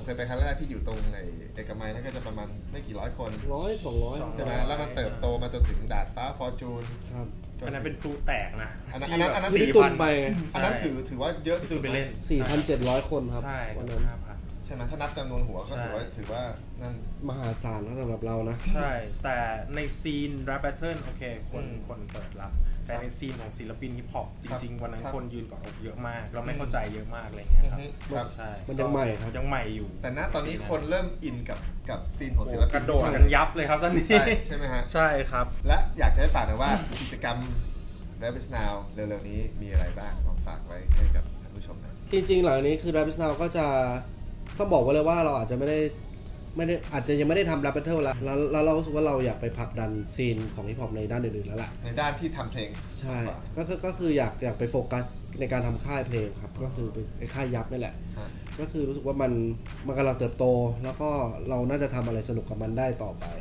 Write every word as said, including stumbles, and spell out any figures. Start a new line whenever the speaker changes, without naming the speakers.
เคยไปครั้งแรกที่อยู่ตรงในเอกมัยนั่นก็จะประมาณไม่กี่ร้อยคน
ร้อยสองร้อย
ใช่ไหมแล้วมันเติบโตมาจนถึงดาดฟ้าฟอร์จูน
ครับ
อันนั้นเป็นพลุแตกนะ
อันนั้นอันนั้นอันนั้น
สี่พันไป
อันนั้นถือถือว่าเยอะที่สุด
ไปเล่น
สี่พันเจ็ดร้อย คนครับ
ใช่
วัน
นั้
น
ใช่ไหมถ้านับจำนวนหัวก็ถือว่าถือว่านั่น
มหาศาลสำหรับเรานะ
ใช่แต่ในซีน Rap Battle โอเคคนคนเปิดรับแต่ในซีนของศิลปินฮิปฮอปจริงๆวันนั้นคนยืนกอดอกเยอะมากเราไม่เข้าใจเยอะมากอะไรเงี้ยครับ
ใช่
มันยังใหม่ครับ
ยังใหม่อยู่
แต่ณตอนนี้คนเริ่มอินกับกับซีนของศิลปิน
กระโดดกันยับเลยครับตอนนี้
ใช่ไหมฮะ
ใช่ครับ
และอยากจะให้ฝากหน่อยว่ากิจกรรม Rap Is Now เร็วๆนี้มีอะไรบ้างลองฝากไว้ให้กับท่านผู้ชมนะ
จริงๆหลังนี้คือ Rap Is Now ก็จะต้องบอกไว้เลยว่าเราอาจจะไม่ได้ไม่ได้อาจจะยังไม่ได้ทำ Rap Battle แล้วแล้วเรารู้สึกว่าเราอยากไปผลักดันซีนของฮิปฮอปในด้านอื่นๆแล้วล่ะ
ในด้านที่ทำเพลง
ใช่ก็คือก็คืออยากอยากไปโฟกัสในการทำค่ายเพลงครับก็คือไอ้ค่ายยับนี่แหละก็คือรู้สึกว่ามันมันกำลังเติบโตแล้วก็เราน่าจะทำอะไรสนุกกับมันได้ต่อไป